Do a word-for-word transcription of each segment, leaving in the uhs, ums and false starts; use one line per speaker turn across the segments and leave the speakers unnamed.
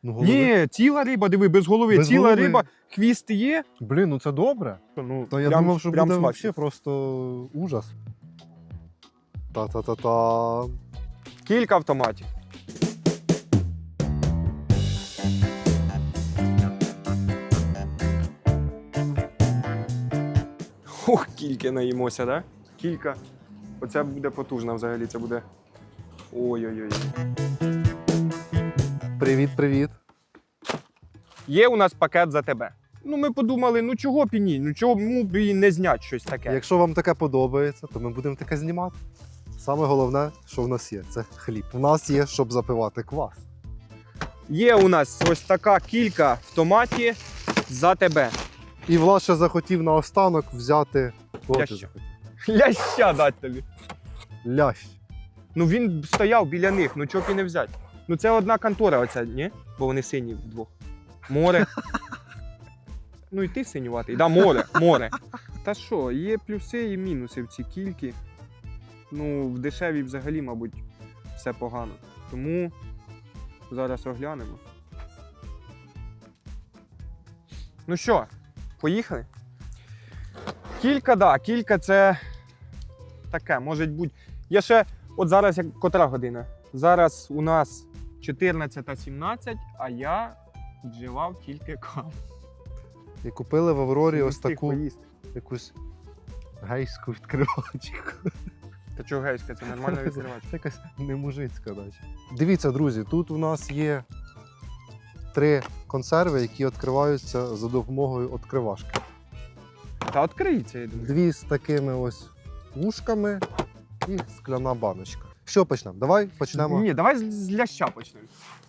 Ну, голови.
Ні, ціла риба, диви, без голови.
Без
ціла
голови.
риба, хвіст є.
Блін, ну це добре.
Ну,
То я
прям-
думав, що
прям
буде
смачно.
взагалі просто ужас. Та-та-та-та.
Кілька автоматів. Ох, кілька наїмося, да? Кілька. Оце буде потужно взагалі, це буде. Ой-ой-ой.
Привіт-привіт.
Є у нас пакет за тебе. Ну, ми подумали, ну чого б і ні, ну чого б і не зняти щось таке.
Якщо вам таке подобається, то ми будемо таке знімати. Саме головне, що в нас є, це хліб. У нас є, щоб запивати квас.
Є у нас ось така кілька в томаті за тебе.
І Влад ще захотів наостанок взяти. Кого ти
Ляща.
захотів?
Ляща дать тобі.
Лящ.
Ну він стояв біля них, ну чого б і не взяти. Ну це одна контора оця, ні? Бо вони сині вдвох. Море. Ну і ти синюватий. Да, море, море. Та що, є плюси і мінуси в цій кільки. Ну, в дешевій взагалі, мабуть, все погано. Тому зараз оглянемо. Ну що, поїхали? Кілька, да, кілька це таке, може бути. Я ще, от зараз як котра година? Зараз у нас чотирнадцята сімнадцять, а я вживав тільки каву.
І купили в Аврорі
Не
ось
встиг
таку
поїсти.
якусь гейську відкривачку.
Та чого гейська, це нормально відкривач.
Це якась немужицька наче. Дивіться, друзі, тут у нас є три консерви, які відкриваються за допомогою відкривашки.
Та відкриється, я думаю.
Дві з такими ось вушками і скляна баночка. Що почнемо? Давай почнемо.
Ні, давай з, з ляща почнемо.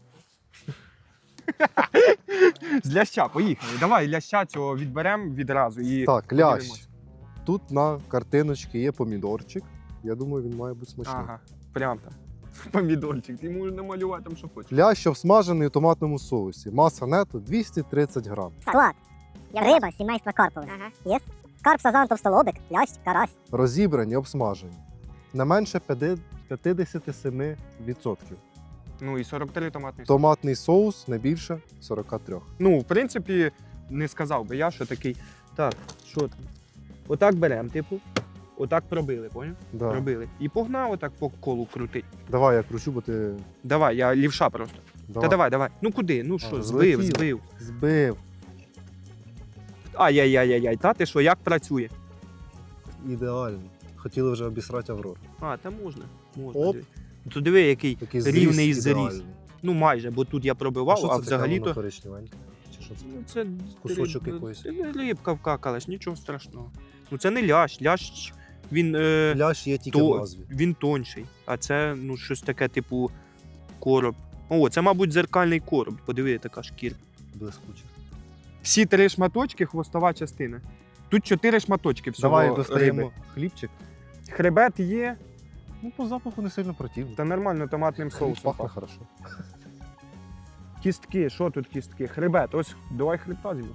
З ляща, поїхали. Давай ляща цього відберемо відразу і
Так, лящ.
подивимось.
Тут на картиночці є помідорчик. Я думаю, він має бути смачний.
Ага, прям там. Помідорчик, ти можеш намалювати там, що хочеш.
Лящ всмажений у томатному соусі. Маса нету двісті тридцять грам.
Склад. Риба сімейства карпових. Ага. Єс. Карп, сазан, товстолобик, лящ, карась.
Розібрані, обсмажені. Не менше п'ятдесят сім відсотків.
Ну і сорок три томатний соус.
Томатний соус не більше сорок три.
Ну, в принципі, не сказав би я, що такий. Так, що там? Отак беремо, типу. Отак пробили, поняв?
Да.
Пробили. І погнав отак по колу крутить.
Давай я кручу, бо ти.
Давай, я лівша просто.
Давай.
Та давай, давай. Ну куди? Ну що,
А,
збив,
злетіло.
збив.
Збив.
Ай-яй-яй-яй, та ти що, як працює?
Ідеально. Хотіли вже обісрати Аврору.
А, та можна. можна.
Оп.
диви. То диви, який
Такий
рівний
зріз
зріз.
ідеальний.
Ну майже, бо тут я пробивав,
що
а,
це таке, воно
взагалі-то.
коричневеньке? Чи що це?
Ну, це
Кусочок
риб-
якоїсь.
це рибка вкакалась, нічого страшного. Ну це не лящ, лящ він, е,
Лящ є тільки
то,
в назві.
він тонший, а це ну, щось таке, типу короб. О, це, мабуть, дзеркальний короб. Подиви, така шкірка.
Блискуче.
Всі три шматочки, хвостова частина. Тут чотири шматочки всього
Давай достаємо
риби.
хлібчик.
Хребет є,
Ну, по запаху не сильно противно.
та нормально томатним
Хліб
соусом.
пахне
пахне.
хорошо.
Кістки, що тут кістки? Хребет, ось, давай хребта зіб'ємо.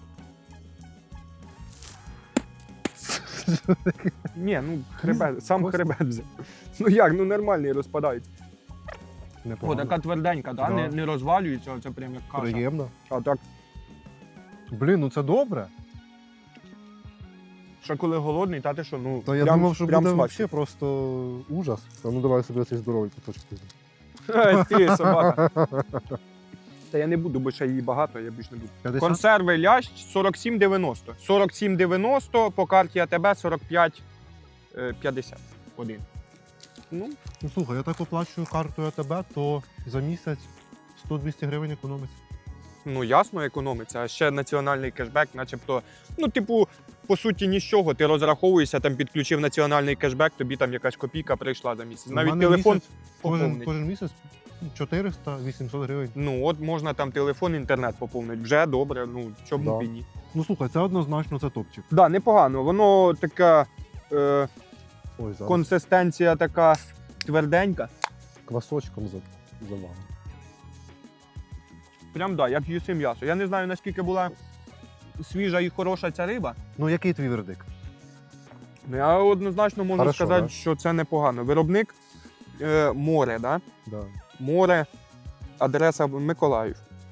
Ні, ну хребет, сам
Ось.
хребет взяв. Ну як, ну нормальний розпадається. О,
Непогано.
така тверденька, да?
Да.
Не, не розвалюється, це прям як каша.
Приємно.
А так,
Блін, ну це добре.
що коли голодний, та ти що, ну
То я
прям,
думав, що
прям
буде
смачно.
взагалі просто ужас. А ну давай собі цей здоровий кусочок.
Ай, ти собака. Та я не буду, бо ще її багато, я більш не буду.
п'ятдесят?
Консерви лящ сорок сім дев'яносто. сорок сім дев'яносто, по карті АТБ сорок п'ять п'ятдесят один. Ну,
Ну слухай, я так оплачую картою АТБ, то за місяць сто-двісті гривень економиться.
ну ясно, економиться. А ще національний кешбек, начебто, ну, типу, по суті, ні з чого. Ти розраховуєшся, там підключив національний кешбек, тобі там якась копійка прийшла за місяць.
У
Навіть
мене
телефон
місяць, кожен,
поповнить.
кожен місяць чотириста-вісімсот гривень.
Ну, от можна там телефон, інтернет поповнити. Вже добре, ну, чому б і ні.
Ну слухай, це однозначно це топчик.
Так, да, непогано. Воно така е,
Ой, зараз
консистенція така тверденька.
квасочком за, завалено.
Прям да, як їси м'ясо. Я не знаю, наскільки була свіжа і хороша ця риба.
Ну який твій вердикт?
Ну, я однозначно можу
Хорошо,
сказати,
да?
що це непогано. Виробник е, море, да?
Да.
Море, адреса Миколаїв.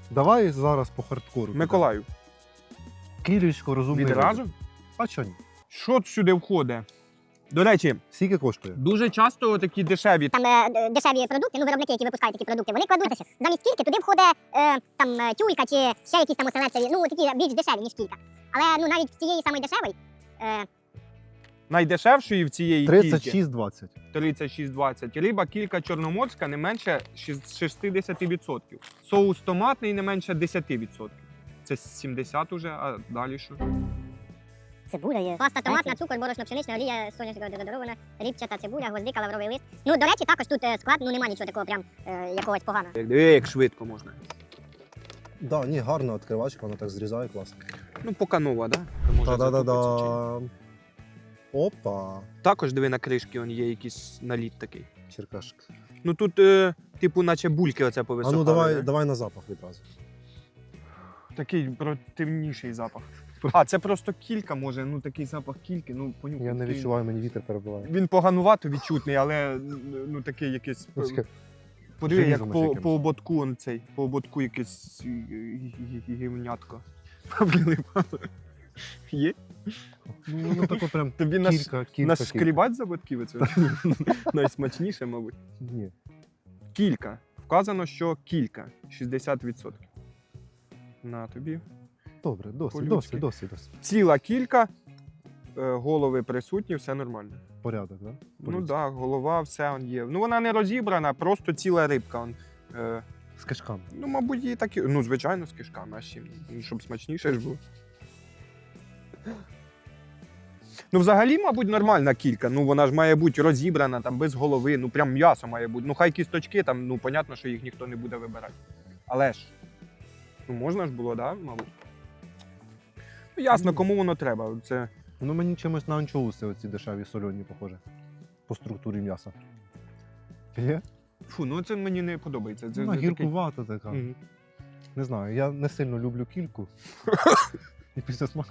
Давай зараз по хардкору.
Миколаю.
Кілечко розумний.
Відразу?
вибір. А що ні?
Що сюди входить? До речі,
Скільки коштує?
дуже часто такі дешеві.
Там е, д- дешеві продукти, ну виробники, які випускають такі продукти, вони кладуть замість кільки, туди входить е, там е, тюлька чи ще якісь там оселедцеві, ну такі більш дешеві, ніж кілька. Але ну навіть в цієї самої дешевої, е,
Найдешевшої в цієї кільки
тридцять шість двадцять.
тридцять шість двадцять. Риба кілька чорноморська не менше шістдесят відсотків. Соус томатний не менше десять відсотків. Це сімдесят уже, а далі що?
цибуля є. Паста томатна, цукор, борошно, пшенична, олія, соняшника дезодорована, ріпчата цибуля, гвоздика, лавровий лист. Ну, до речі, також тут е, склад, ну нема нічого такого прям е, якогось поганого.
Як, диви, як швидко можна.
Да, ні, гарна відкривачка, вона так зрізає класно.
Ну, поки нова, да?
Та-да-да-да. Опа.
Також диви на кришки, он є якийсь наліт такий.
Черкашки.
Ну тут, е, типу, наче бульки оце
А
повисохали.
ну давай,
да?
давай на запах відразу.
Такий противніший запах. А, це просто кілька, може, ну такий запах кільки, ну понюхай.
Я не
такий-
відчуваю, мені вітер перебиває.
Він поганувато відчутний, але ну такий якийсь.
Ну, таке
Подиви, як
желізом
по,
якимось.
по ободку он цей, по ободку якесь е, гі- гі- гівнятко. Прилипало. Є?
Ну, воно тако прям
Тобі наш,
кілька, кілька,
наш
кілька.
шкрібать за бодків оце? Найсмачніше, мабуть.
Ні.
Кілька. Вказано, що кілька. шістдесят відсотків. На тобі.
Добре, досить,
По-людськи.
досить, досить, досить.
Ціла кілька, е, голови присутні, все нормально.
Порядок, да?
Ну
По-людськи.
так, да, голова, все он є. Ну вона не розібрана, просто ціла рибка. Он, е,
З кишками.
ну, мабуть, її так і. Ну, звичайно, з кишками, а з чим? Ну, щоб смачніше ж було. Ну, взагалі, мабуть, нормальна кілька. Ну, вона ж має бути розібрана, там, без голови, ну прям м'ясо має бути. Ну, хай кісточки, там, ну, понятно, що їх ніхто не буде вибирати. Але ж, ну, можна ж було, да, мабуть. Ну, ясно, кому воно треба. Це
Ну мені чимось на анчоуси оці дешеві сольоні похоже. По структурі м'яса. Є?
фу, ну це мені не подобається. Це,
Вона
це такий-
гіркувата така.
Мгм.
Не знаю, я не сильно люблю кільку. І після смаку.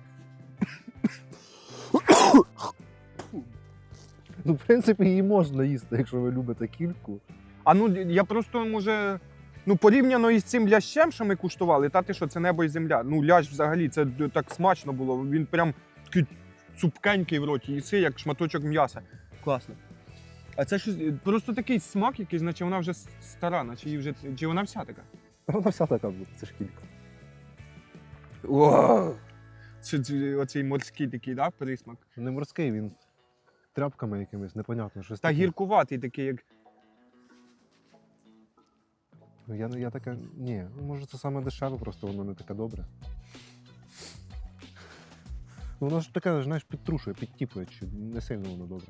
Ну, в принципі, її можна їсти, якщо ви любите кільку.
А ну я просто може. Ну, порівняно із цим лящем, що ми куштували, та ти що, це небо і земля. Ну, лящ взагалі, це д- так смачно було. Він прям такий цупкенький в роті, їси, як шматочок м'яса. Класно. А це щось просто такий смак, якийсь, наче вона вже с- стара, наче її вже. Чи вона вся така?
Вона вся така буде, це ж кілька.
Вау! Це, це оцей морський такий, да, присмак.
Не морський, він тряпками якимись, непонятно, щось
Та
таке.
гіркуватий такий, як.
Ну, Я, я таке, ні, ну, може це саме дешеве, просто воно не таке добре. Ну, воно ж таке, знаєш, підтрушує, підтіпує, чи не сильно воно добре.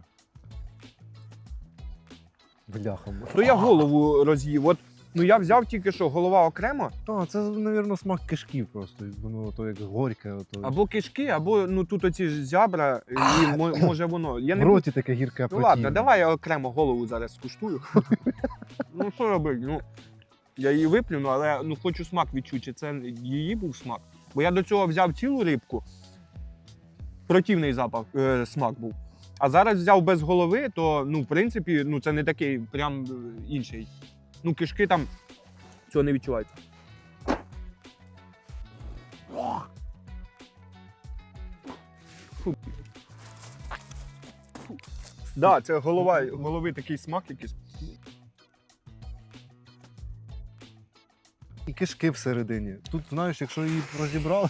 Бляха.
То я голову роз'їв. От, ну я взяв тільки що, голова окремо,
А, це, мабуть, смак кишків просто. Воно то як горьке, ото.
або кишки, або ну тут оці ж зябра, і мо- може воно. Я
в
не
роті таке гірке
Ну
противне.
ладно, давай я окремо голову зараз скуштую. Ну що робити? Ну, я її виплюну, але ну, хочу смак відчути, чи це її був смак. Бо я до цього взяв цілу рибку, противний запах, е, смак був. А зараз взяв без голови, то ну, в принципі, ну, це не такий прям е, інший. Ну, кишки там цього не відчувається. Фу. Фу. Да, це голова, голови такий смак якийсь.
І кишки всередині. Тут, знаєш, якщо її розібрали,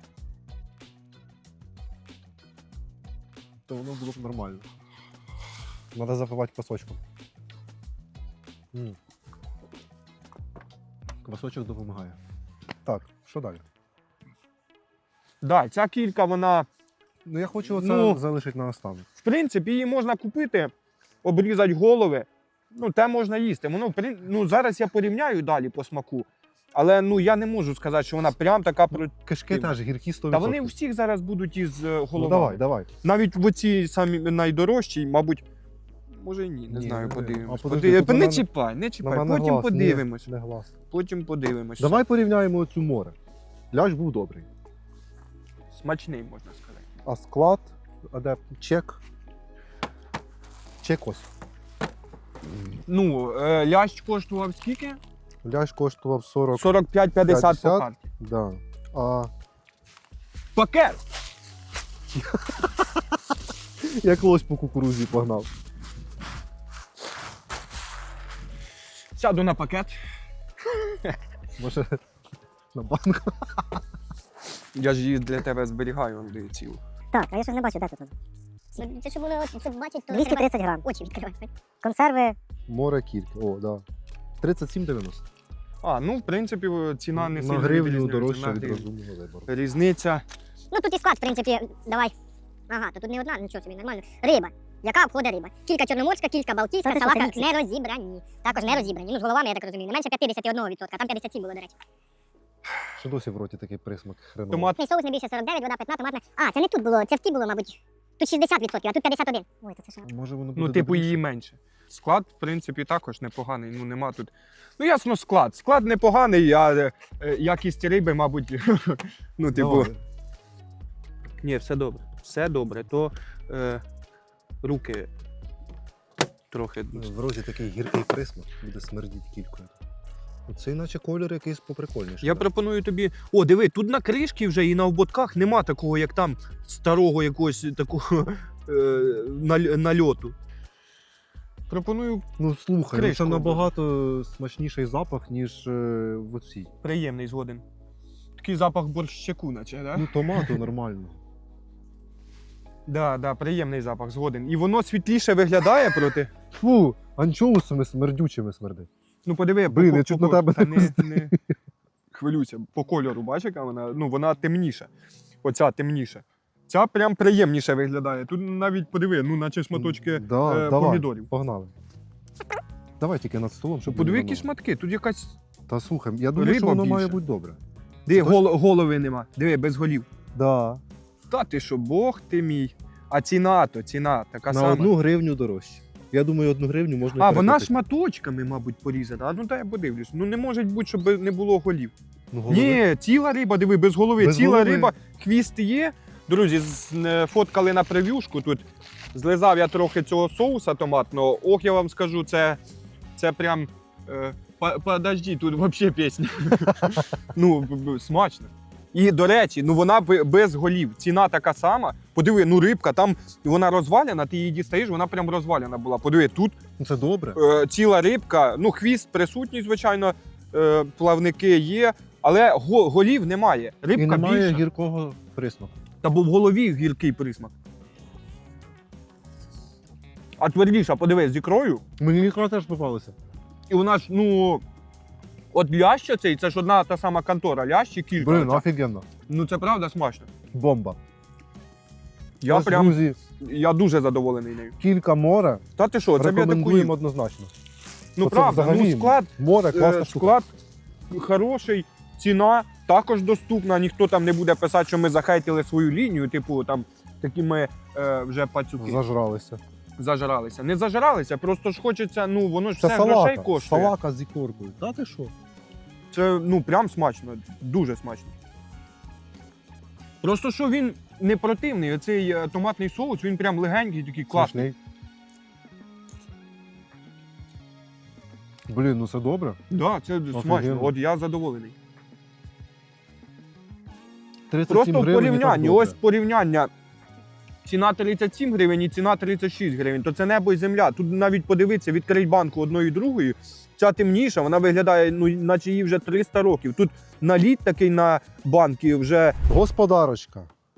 то воно було б нормально. Треба запивати квасочком. М. Квасочок допомагає. Так, що далі?
Да, ця кілька, вона,
Ну я хочу оце
Ну,
залишити на останок.
в принципі, її можна купити, обрізати голови. Ну, те можна їсти. Воно, в прин- ну, зараз я порівняю далі по смаку. Але ну, я не можу сказати, що вона прям така про.
Кишки теж гіркі сто відсотків.
Та вони у всіх зараз будуть із е, головами.
Ну давай, давай.
Навіть в оці самі найдорожчі, мабуть, може і ні, не
Ні,
знаю,
не-
подивимось.
а подожди,
Подив-
тут на
Не
мене-
чіпай, не
На
чіпай,
мене
потім
глаз.
подивимось.
Ні, не глаз.
Потім подивимось.
Давай порівняємо оцю море. Лящ був добрий.
Смачний, можна сказати.
А склад, адепт, чек. Чек ось.
Ну, е, лящ коштував скільки?
Лящ коштував сорок.
сорок п'ять п'ятдесят по
п'ятдесят.
карті.
Да. А
Пакет!
як лось по кукурузі погнав.
Сяду на пакет.
Може на банку.
Я ж її для тебе зберігаю, Андрій, цілу.
Так, а я щось не бачу, де тут? Ну, це щоб воно щоб бачить, то
двісті тридцять грам.
очі відкривати.
Консерви
Море кілька. О, да. тридцять сім дев'яносто.
А, ну, в принципі, ціна не
На
сильно
гривню
відрізняється.
дорожче
На
від
гривню.
розумного вибору.
Різниця.
Ну тут і склад, в принципі, давай. Ага, то тут не одна, нічого собі, нормально. Риба. Яка обходить риба? Кілька чорноморська, кілька балтійська,
Це
салака
це
не розібрані. Також не розібрані. Ну, з головами, я так розумію, не менше п'ятдесят один відсотка, там п'ятдесят сім було, до речі.
Що досі в роті такий присмак хреновий.
Томат.
Мій соус не більше сорок дев'ять, вода питна, томатна. А, це не тут було, це в ті було, мабуть. Тут шістдесят відсотків, а тут п'ятдесят один. Ой, то це ще.
Може воно буде
Ну, типу,
добріше?
її менше. Склад, в принципі, також непоганий. Ну, нема тут. Ну, ясно, склад. Склад непоганий, а е, е, якість риби, мабуть. Ну, типу.
Давай.
Ні, все добре. Все добре. То е, руки трохи.
В розі такий гіркий присмак, буде смердіть кількою. Це іначе колір якийсь поприкольніший.
Я пропоную тобі. О, диви, тут на кришці вже і на ободках нема такого, як там старого якогось такого е, наль- нальоту. Пропоную
Ну слухай, ну,
Кришку
це набагато смачніший запах, ніж е, в оцій.
приємний згоден. Такий запах борщаку, наче, да?
Ну томату нормально.
Да, да, приємний запах, згоден. І воно світліше виглядає проти.
Фу, анчоусами смердючими смердить.
Ну, подиви,
Блін,
по,
я
по,
чуть
по,
на тебе
та
не
не, не хвилюйся. По кольору, бачиш, яка вона? Ну, вона темніша. Оця темніша. Ця прям приємніше виглядає. Тут навіть подиви, ну, наче шматочки
да,
е,
давай,
помідорів.
Погнали. Давай тільки над столом, щоб
Подиви,
не
які
воно.
шматки. Тут якась.
Та слухай, я думаю,
Риба
що воно
більше.
має бути добре.
Диви,
Це
гол, голови нема. Диви, без голів.
Да.
Та ти що, Бог ти мій. А ціна то, ціна така
На
сама.
одну гривню дорожче. Я думаю, одну гривню можна
А,
і
вона
перекупити.
шматочками, мабуть, порізана. А ну дай я подивлюсь. Ну не може бути, щоб не було голів.
Ну, голови.
Ні, ціла риба, диви, без голови.
Без
ціла
голови.
риба, хвіст є. Друзі, з- е, фоткали на прев'юшку. Тут злизав я трохи цього соуса томатного. Ох, я вам скажу, це, це прям. Е, по- подожди, тут взагалі пісня. Ну, б- б- смачно. І, до речі, ну вона б- без голів. Ціна така сама. Подиви, ну рибка, там вона розваляна, ти її дістаєш, вона прям розваляна була. Подиви, тут
Ну, це добре.
е, ціла рибка, ну хвіст присутній, звичайно, е, плавники є, але го- голів немає. Рибка
І немає
більша.
гіркого присмаку.
Та був в голові гіркий присмак. А твердіша, подивись, з ікрою.
Мені ікра теж попалася.
І вона ж, ну. От лящ цей, це ж одна та сама контора, лящ і кілька.
Блин,
оця.
офігенно.
Ну це правда смачно.
Бомба.
Я
Ось,
прям,
друзі,
я дуже задоволений нею.
кілька море.
Та ти що, це б я таку
Рекомендуємо
їв.
однозначно.
Ну
Оце
правда,
взагалі
ну склад,
Море,
е,
класна штука.
склад хороший, ціна також доступна, ніхто там не буде писати, що ми захейтили свою лінію, типу там такі ми е, вже пацюки.
Зажралися.
Зажиралися. Не зажиралися, просто ж хочеться, ну воно ж
Це
все грошей
салака.
коштує.
Салака з ікоркою. Та ти що?
Це ну прям смачно, дуже смачно. Просто що він не противний, оцей е, томатний соус, він прям легенький, такий класний.
Смачний. Блін, ну це добре.
Да, це смачно.
Офігенно.
От я задоволений.
тридцять
Просто
сім
в
гривень і так
порівнянні,
добре.
ось порівняння. Ціна тридцять сім гривень і ціна тридцять шість гривень, то це небо і земля. Тут навіть подивитися, відкрить банку одної і другої. Ця темніша, вона виглядає, ну, наче їй вже триста років. Тут наліт такий на банки вже.
Господарочка.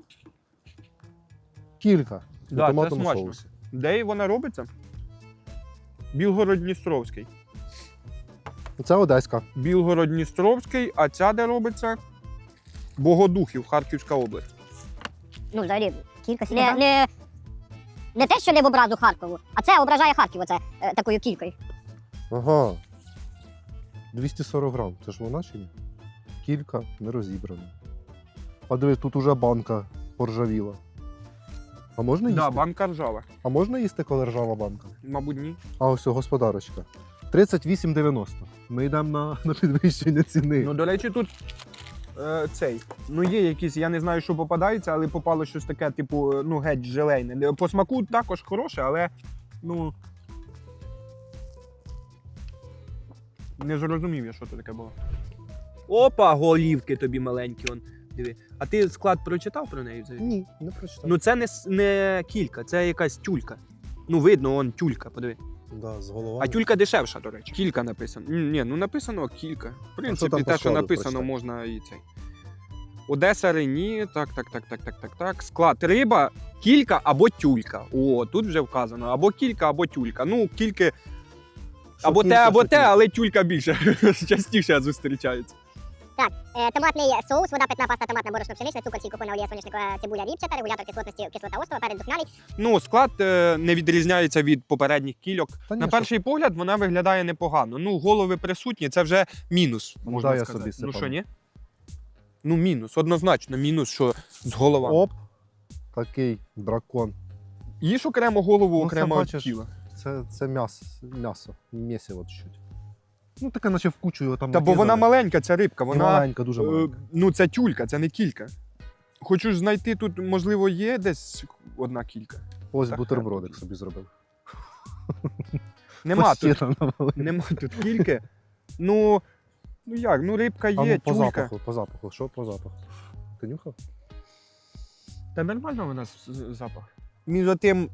Кілька.
Да,
На
це
томатному
смачно.
соусі.
Де вона робиться? Білгород-Дністровський.
Це одеська.
Білгород-Дністровський, а ця де робиться? Богодухів, Харківська область.
Ну, взагалі,
кілька
не, не, не те, що не в образу Харкову, а це ображає Харків оце, е, такою кількою.
Ага. двісті сорок грам. Це ж вона чи ні? Кілька не розібрана. А дивись, тут уже банка поржавіла. А можна їсти?
Да, банка ржава.
А можна їсти, коли ржава банка?
Мабуть, ні.
А ось господарочка. тридцять вісім дев'яносто. Ми йдемо на, на підвищення ціни.
Ну, до речі, тут е, цей. Ну, є якісь, я не знаю, що попадається, але попало щось таке, типу, е, ну, геть желейне. По смаку також хороше, але ну. Не зрозумів я, що це таке було. Опа, голівки тобі маленькі, он. Диви. А ти склад прочитав про неї взагалі?
Ні, не прочитав.
Ну це не, с- не кілька, це якась тюлька. Ну видно, он тюлька, подиви.
Да, з головами.
А тюлька дешевша, до речі. Кілька написано. Ні, ні, ну написано кілька. В
що
принципі,
там по
те, що
складу
написано,
прочитай?
можна і цей. Одеса Рені, так, так, так, так, так, так, так. Склад риба, кілька або тюлька. О, тут вже вказано. Або кілька, або тюлька. Ну, кільки.
Що
Або
кілька,
те, або
що
те,
кілька.
але тюлька більше частіше зустрічається.
Е, томатний соус, вода, питна паста, томатна, борошно, пшеничне, цукор, сіль, купона, олія, соняшникова, цибуля, ріпчата, регулятор кислотності, кислота оцтова, перець духмяний.
Ну, склад е, не відрізняється від попередніх кільок.
Та ні,
На
що
перший погляд вона виглядає непогано. Ну, голови присутні, це вже мінус,
Ну,
можна
дай я
сказати.
собі
Ну
сипану.
що, ні? Ну, мінус, однозначно, мінус, що з головами.
Оп, такий дракон.
Їж окремо голову,
Ну, це
окремо
бачиш.
тіло.
Це, це м'ясо, м'ясо, м'ясо от чуть. Ну таке наче в кучу його там
Та бо вона
накидали.
маленька, ця рибка,
І
вона.
маленька, дуже
е,
маленька.
ну, це тюлька, це не кілька. Хочу ж знайти тут, можливо, є десь одна кілька.
Ось
так,
бутербродик
так.
собі зробив.
Нема
Почти
тут,
там навалив.
нема тут кільки. Ну, ну як, ну рибка
А
є,
ну, по
тюлька.
запаху, по запаху. Що по запаху? Ти нюхав?
Та нормально у нас з- запах. Між тим.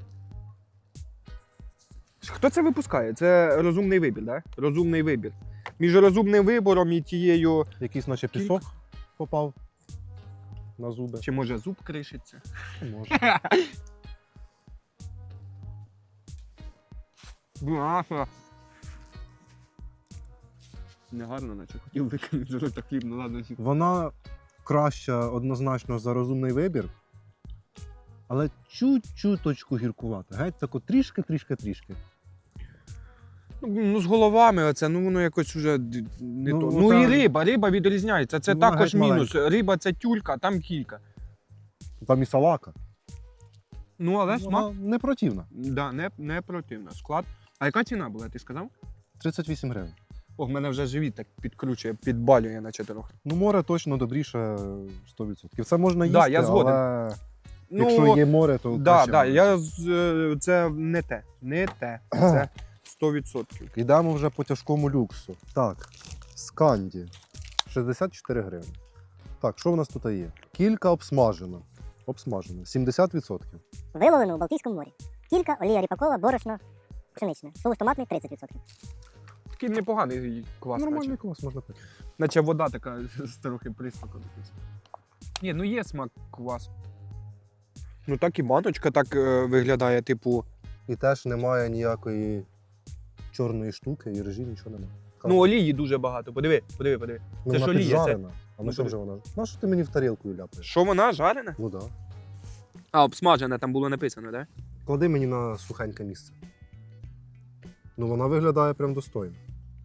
Хто це випускає? Це розумний вибір, так? Да? Розумний вибір. Між розумним вибором і тією.
Якийсь наче
Кілька.
пісок попав на зуби.
Чи може зуб кришиться?
Може.
Бляха. Негарно, наче хотів викинути з рота хліб, ну ладно.
Вона краща однозначно за розумний вибір, але чуть-чуточку гіркувата. Геть тако трішки, трішки, трішки.
Ну, ну з головами оце, ну воно якось уже д- не
Ну,
то.
та-
Ну і риба, риба відрізняється. Це
Ну, вона
також
геть
мінус. Риба це тюлька, там кілька.
Там і салака.
Ну, але смак.
Вона не противна.
Да, не, не противно. Склад. А яка ціна була, ти сказав?
тридцять вісім гривень.
О, в мене вже живіт так підкручує, підбалює, наче трохи.
Ну, море точно добріше сто відсотків. Це можна їсти,
Да, я згоден.
але
Ну,
якщо є море, то
да,
краще
да,
море.
я, з- е, це не те. Не те. Це сто відсотків.
Йдемо вже по тяжкому люксу. Так, сканді. шістдесят чотири гривні. Так, що в нас тут є? Кілька обсмажена. Обсмажена. сімдесят відсотків.
Виловлено у Балтійському морі. Кілька, олія ріпакова, борошно, пшеничне. Соус томатний тридцять відсотків.
Такий непоганий квас.
Нормальний
Наче.
клас можна пити.
наче вода така з трохи присмаком. Ні, ну є смак квасу. Ну так і баночка так е, виглядає, типу.
І теж немає ніякої чорної штуки, і режі нічого немає.
Ну, олії дуже багато. Подиви, подиви, подиви.
Ну,
це
вона
ж олія, це-
піджарена. А
Ну,
ну що
подиви.
вже вона? На що ти мені в тарілку ляпаєш?
Що вона жарена?
Ну так. Да.
А, обсмажена, там було написано, так? Да?
Клади мені на сухеньке місце. Ну вона виглядає прям достойно.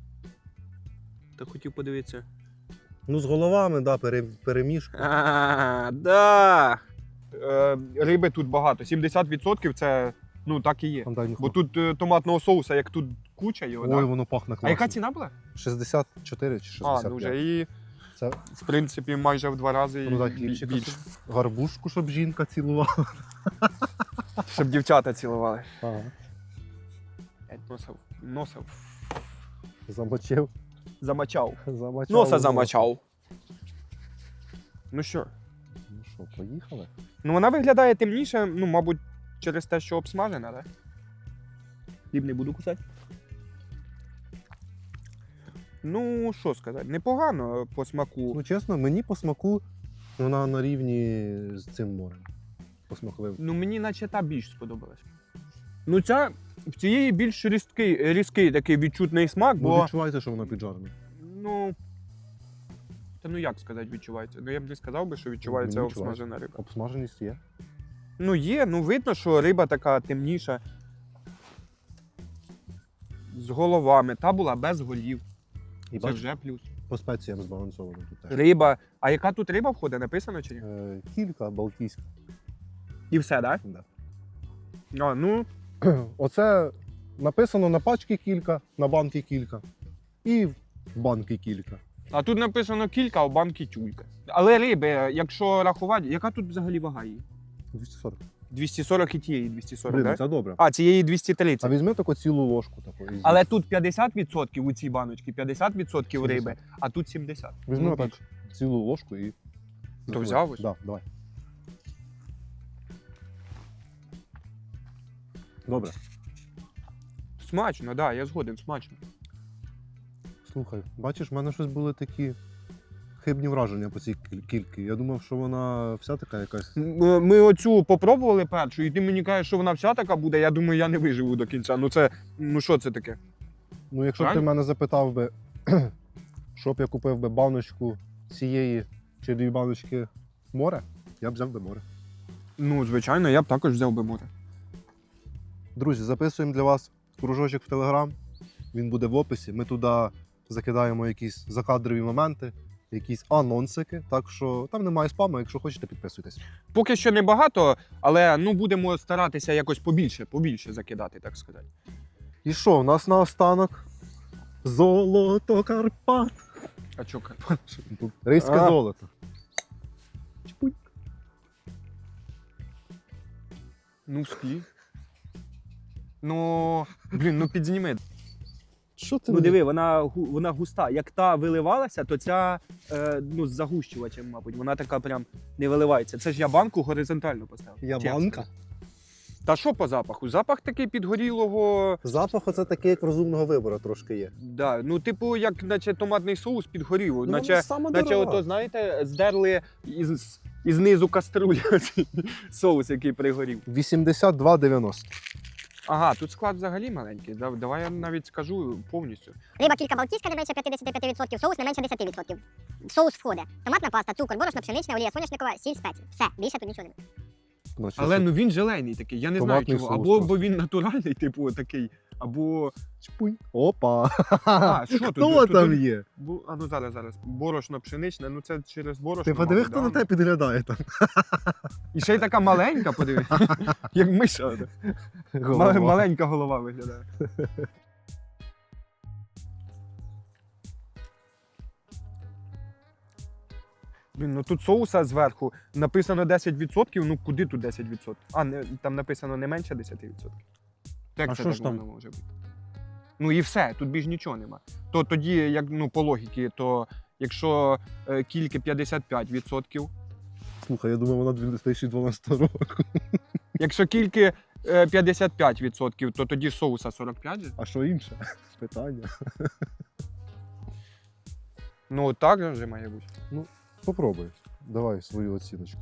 Так хотів подивитися.
Ну, з головами, да, пере, перемішку.
А, да. Е, риби тут багато. сімдесят відсотків це ну так і є.
Там дай
Бо
нюхну.
тут е, томатного соуса, як тут куча його,
Ой,
да?
воно пахне класно.
А яка ціна була?
шістдесят чотири чи шістдесят
А,
п'ять.
ну вже і
Це
в принципі майже в два рази
ну, дай
бі-
хлібчика
більше.
собі. Гарбушку, щоб жінка цілувала.
Щоб дівчата цілували.
Ага.
Носив. Носив.
Замочив.
Замочав.
Замочав.
Носа замочав. Ну що?
Ну що, поїхали?
Ну вона виглядає темніше, ну, мабуть, через те, що обсмажена, так? Хліб не буду кусати. Ну, що сказати, непогано по смаку.
Ну, чесно, мені по смаку вона на рівні з цим морем. Посмаковим.
Ну, мені наче та більш сподобалась. Ну, ця в цієї більш різкий, різкий такий відчутний смак,
Бо
бо.
відчуваєте, що вона піджарена.
Ну. Та ну як сказати, відчувається? Ну я б не сказав би, що відчувається
Мені відчувається.
обсмажена риба.
Обсмаженість є.
Ну є, ну видно, що риба така темніша. З головами. Та була без голів.
І
Це
бач,
вже плюс.
по спеціям збалансовано тут теж.
Риба. А яка тут риба входить, написано чи ні?
Е, кілька балтійська.
І все, так?
Да.
А, ну.
Оце написано на пачці кілька, на банки кілька. І в банки кілька.
А тут написано кілька, а в банки тюлька. Але риби, якщо рахувати, яка тут взагалі вага її?
двісті сорок.
двісті сорок і тієї двісті сорок,
Блін,
так?
це добре.
А, цієї двісті
А
тридцять.
візьми таку цілу ложку таку. і з'їж.
Але тут п'ятдесят відсотків у цій баночці, п'ятдесят відсотків риби,
сімдесят.
а тут сімдесят.
Візьми
Ну,
отак
більше.
цілу ложку і...
То взяв ось?
Так, да, давай. Добре.
Смачно, так, да, я згоден, смачно.
Слухай, бачиш, в мене щось були такі хибні враження по цій кіль- кільки. Я думав, що вона вся така якась.
М, Ми оцю попробували першу, і ти мені кажеш, що вона вся така буде, я думаю, я не виживу до кінця. Ну це, ну що це таке?
Ну, якщо б ти
Правильно?
мене запитав би, щоб я купив би баночку цієї чи дві баночки море, я б взяв би море.
Ну, звичайно, я б також взяв би море.
Друзі, записуємо для вас кружочок в Телеграм. Він буде в описі. Ми туди закидаємо якісь закадрові моменти, якісь анонсики. Так що там немає спаму, якщо хочете, підписуйтесь.
Поки що не багато, але ну будемо старатися якось побільше, побільше закидати, так сказати.
І що, у нас наостанок золото Карпат.
А чо, Карпат?
Ризьке
А.
золото. Чпунь.
Ну, склі. Ну, блін, ну підзніми.
Що ти
Ну
мені-
диви, вона, гу- вона густа. Як та виливалася, то ця е, ну, з загущувачем, мабуть, вона така прям не виливається. Це ж я банку горизонтально поставив.
Я
Чесно.
банка?
Та що по запаху? Запах такий підгорілого.
Запах оце такий, як розумного вибору трошки є.
Да, ну, типу, як наче томатний соус підгорів.
Ну,
наче,
вона сама
наче
дорога.
ото, знаєте, здерли із, із низу каструлі оцей соус, який пригорів.
вісімдесят два дев'яносто.
Ага, тут склад взагалі маленький. Да- Давай я навіть скажу повністю.
Риба кілька балтійська не менше п'ятдесят п'ять відсотків, соус не менше десять відсотків. Соус входить. Томатна паста, цукор, борошно, пшенична, олія соняшникова, сіль, спеції. Все, більше тут нічого немає.
Значить,
Але
що-
ну він зелений такий, я не знаю
Томатний
чого.
соус
Або
просто.
бо він натуральний, типу, такий, або.
Чпунь. Опа.
А, що тут?
Хто
Тут-
там
тут-
є?
Бу- А ну зараз, зараз. Борошно пшеничне, ну це через борошно.
Ти подиви,
мабуть,
хто
да?
на тебе підглядає там.
І ще й така маленька, подиви. Як миша.
Голова.
Ма- Маленька голова виглядає. Блін, ну тут соуса зверху написано десять відсотків, ну куди тут десять відсотків? А, не, там написано не менше десять відсотків. Як
А
це
що
так
ж там?
воно може бути? Ну і все, тут більш нічого нема. То тоді, як ну, по логіки, то якщо е, кільки п'ятдесят п'ять відсотків,
Слухай, я думав, вона дві тисячі дванадцятого року.
якщо кільки е, п'ятдесят п'ять відсотків, то тоді соуса сорок п'ять же?
А що інше? Питання.
Ну так же має бути.
Попробуй. Давай свою оціночку.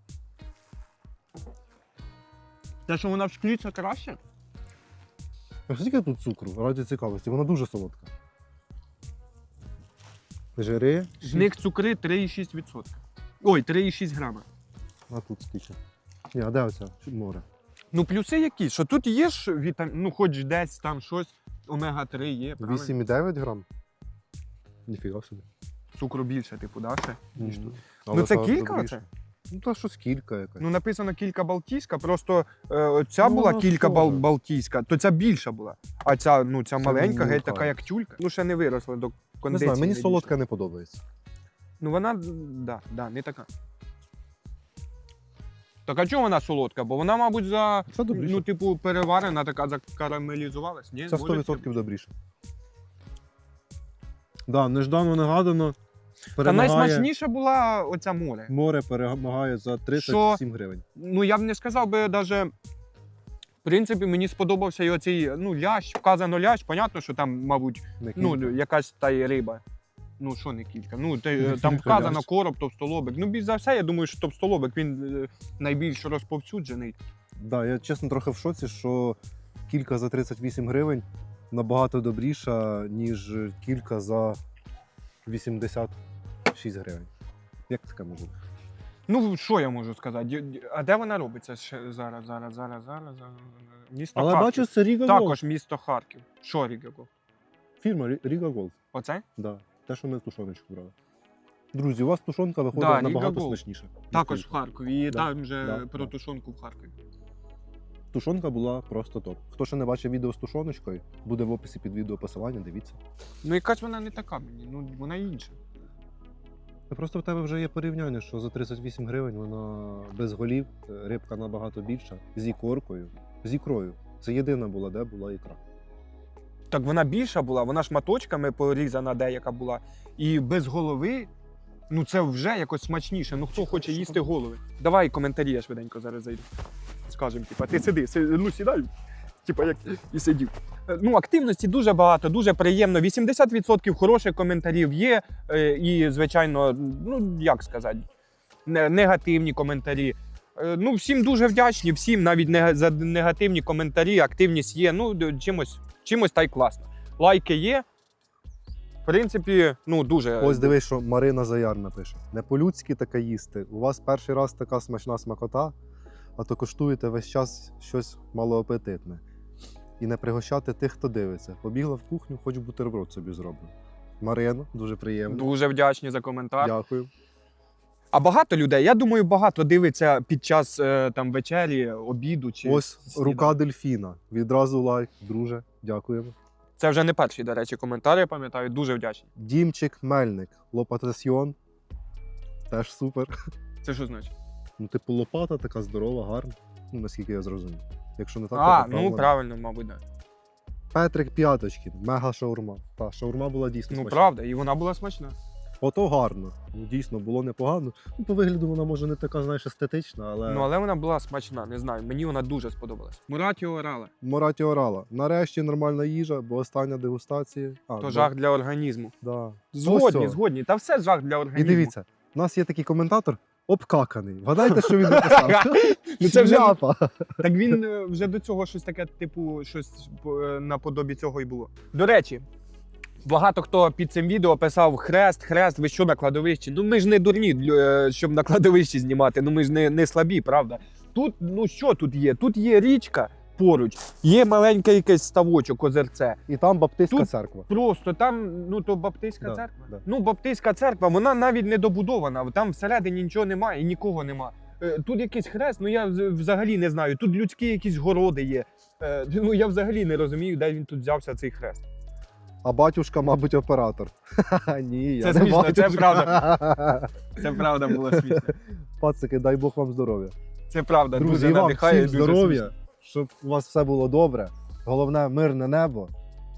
Те, що вона в шклі, це краще?
А скільки тут цукру? Раді цікавості, вона дуже солодка. Жири.
З них цукри три і шість відсотків. Ой, три і шість грама.
А тут скільки? Ні, а де оця? Море.
Ну, плюси які? Що тут є ж вітам... ну, хоч десь там щось, омега три є, правильно?
вісім і дев'ять грам? Ніфіга собі.
Цукру більше, типу, да, ще, ніж тут.
Але
Ну це
та
кілька
добріше.
оце?
Ну та щось кілька якась.
Ну, написано кілька балтійська, просто е, ця
Ну,
була
вона
кілька бал...
схожа.
балтійська, то ця більша була. А ця, ну, ця
Це
маленька, геть
мілка.
така, як тюлька. Ну, ще не виросла до
не
кондиції.
знаю, мені
не
солодка
дійшла.
не подобається.
Ну, вона, да, да, не така. Так а чому вона солодка? Бо вона, мабуть, за,
Це добріше.
ну, типу, переварена, така закарамелізувалась. Ні?
Це
Може
сто відсотків
таке?
добріше. Да, неждано негадано.
Та
Перемагає...
найсмачніша була оця море.
Море перемагає за тридцять
Що?
сім гривень.
Ну, я б не сказав би даже. В принципі, мені сподобався і оцей, ну, лящ, вказано лящ, понятно, що там, мабуть,
Не
ну,
кілька.
якась та й риба. Ну, що не кілька. Ну, те,
Не
там
кілька
вказано
лящ.
короб, товстолобик. Ну, більш за все, я думаю, що товстолобик, він е, найбільш розповсюджений.
Да, я чесно трохи в шоці, що кілька за тридцять вісім гривень набагато добріша, ніж кілька за вісімдесят шість гривень. Як таке може бути?
Ну, що я можу сказати? Ді- ді- А де вона робиться ще зараз, зараз, зараз, зараз? зараз? Місто
Але
Харків.
бачу, це Ріга Голд.
Також місто Харків. Що Ріга Голд?
Фірма Рі- Ріга Голд.
Оце?
Да. Те, що ми тушоночку брали. Друзі, у вас тушонка виходить
Да, Ріга
набагато
Голд.
смачніше.
Також в
Кілька.
Харкові. І
Да,
там же
да,
про
да.
тушонку в Харкові.
Тушонка була просто топ. Хто ще не бачив відео з тушоночкою, буде в описі під відео посилання, дивіться.
Ну, якась вона не така мені, ну вона інша.
Та Просто в тебе вже є порівняння, що за тридцять вісім гривень вона без голів, е, рибка набагато більша, з ікоркою, з ікрою. Це єдина була, де була ікра.
Так вона більша була, вона шматочками порізана деяка була. І без голови, ну це вже якось смачніше. Ну хто хоче їсти голови? Давай коментарі, я швиденько зараз зайду. Скажем, типа, ти сиди, си- ну сідай, типа як і сидів. Е, Ну, активності дуже багато, дуже приємно. вісімдесят відсотків хороших коментарів є. е, І, звичайно, ну як сказати, не- негативні коментарі. Е, Ну, всім дуже вдячні, всім навіть не за негативні коментарі, активність є. Ну, д- чимось, чимось та й класно. Лайки є. В принципі, ну дуже.
Ось дивись, що Марина Заярна пише. Не по-людськи таке їсти. У вас перший раз така смачна смакота, а то коштуєте весь час щось малоапетитне. І не пригощати тих, хто дивиться. Побігла в кухню, хоч бутерброд собі зроблю. Марина, дуже приємно.
Дуже вдячні за коментар.
Дякую.
А багато людей, я думаю, багато дивиться під час е, там вечері, обіду чи
Ось
сніданку.
рука дельфіна. Відразу лайк, друже. Дякуємо.
Це вже не перший, до речі, коментар, я пам'ятаю, дуже вдячний.
Дімчик Мельник. Лопатасьйон. Теж супер.
Це що значить?
Ну, типу, лопата така здорова, гарна. Ну, наскільки я зрозумів. Якщо не так,
А,
то
ну
правильно.
правильно, мабуть, да.
Петрик П'яточкін, мега шаурма. Та, шаурма була дійсно
Ну
смачна.
правда, і вона була смачна.
Ото гарно. Ну, дійсно, було непогано. Ну, по вигляду вона може не така, знаєш, естетична, але.
Ну але вона була смачна, не знаю. Мені вона дуже сподобалась. Муратіо орала.
Мораті орала. Нарешті нормальна їжа, бо остання дегустація. А,
То
да,
жах для організму.
Да.
Згодні,
Ось о.
згодні. Та все жах для
І
організму.
дивіться, у нас є такий коментатор обкаканий. Вгадайте, що він написав?
Ну, це вже-
Шляпа.
Так він е, вже до цього щось таке, типу, щось е, наподобі цього і було. До речі, багато хто під цим відео писав хрест, хрест, ви що на кладовищі? Ну ми ж не дурні, лю- е, щоб на кладовищі знімати, ну ми ж не, не слабі, правда? Тут, ну що тут є? Тут є річка поруч, є маленький якийсь ставочок, озерце.
І там баптистська
Тут-
церква.
Просто там, ну то баптистська
Да,
церква.
да.
Ну, баптистська церква, вона навіть не добудована, там всередині нічого немає і нікого нема. Е, Тут якийсь хрест, ну я вз- взагалі не знаю. Тут людські якісь городи є. Е, Ну я взагалі не розумію, де він тут взявся цей хрест.
А батюшка, мабуть, оператор. Ні, я
Це
не
смішно, це
батюшка.
Це правда було смішно.
Пацики, дай Бог вам здоров'я.
Це правда,
Друзі,
дуже
і вам
надихає.
всім
дуже
здоров'я,
смішно.
щоб у вас все було добре. Головне, мирне небо.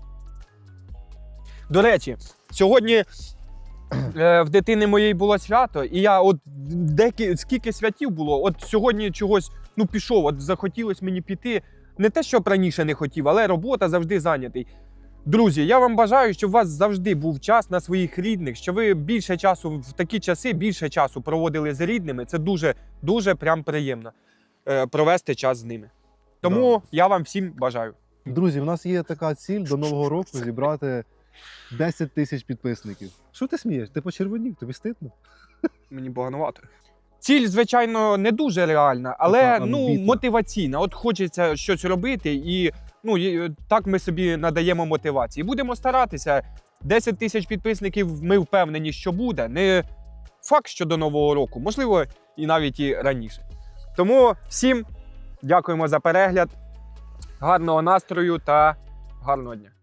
До речі, сьогодні е, в дитини моєї було свято, і я от декі, скільки святів було, от сьогодні чогось ну пішов, от захотілося мені піти. Не те, щоб раніше не хотів, але робота завжди зайнятий. Друзі, я вам бажаю, щоб у вас завжди був час на своїх рідних, що ви більше часу в такі часи більше часу проводили з рідними. Це дуже, дуже прям приємно е, провести час з ними. Тому я вам всім бажаю.
Друзі, в нас є така ціль до Нового року зібрати десять тисяч підписників. Що ти смієш? Ти почервонів, тобі стидно?
Мені поганувато. Ціль, звичайно, не дуже реальна, але
Така
ну,
амбітна.
мотиваційна. От хочеться щось робити, і ну, і так ми собі надаємо мотивації. Будемо старатися. десять тисяч підписників ми впевнені, що буде. Не факт, що до Нового року, можливо, і навіть і раніше. Тому всім дякуємо за перегляд, гарного настрою та гарного дня.